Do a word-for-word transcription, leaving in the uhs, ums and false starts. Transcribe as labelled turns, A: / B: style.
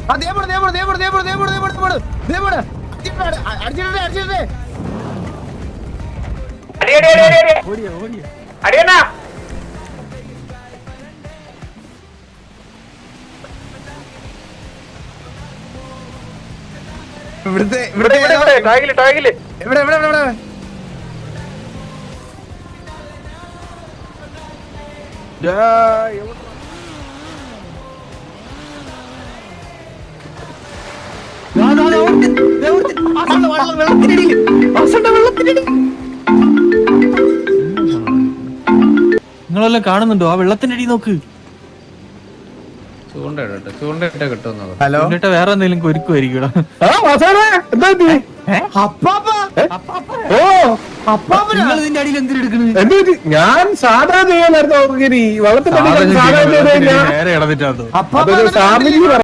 A: ഇവിടുത്തെ ഇവിടെ ടാഗില് ടാഗില് ഇവിടെ ഇവിടെ ഇവിടെ
B: നിങ്ങളെല്ലാം കാണുന്നുണ്ടോ ആ വെള്ളത്തിന്റെ അടി നോക്ക്.
A: ഹലോ
B: വേറെ എന്തെങ്കിലും കൊരുക്കുമായിരിക്കും. നിങ്ങൾ ഇതിന്റെ അടിയിൽ എന്തിനെടുക്കണത്?
C: ഞാൻ സാധാ ചെയ്യാനായിരുന്നു വെള്ളത്തിന്റെ
B: നേരെ ഇടന്നിട്ടാ
C: ഫാമിലി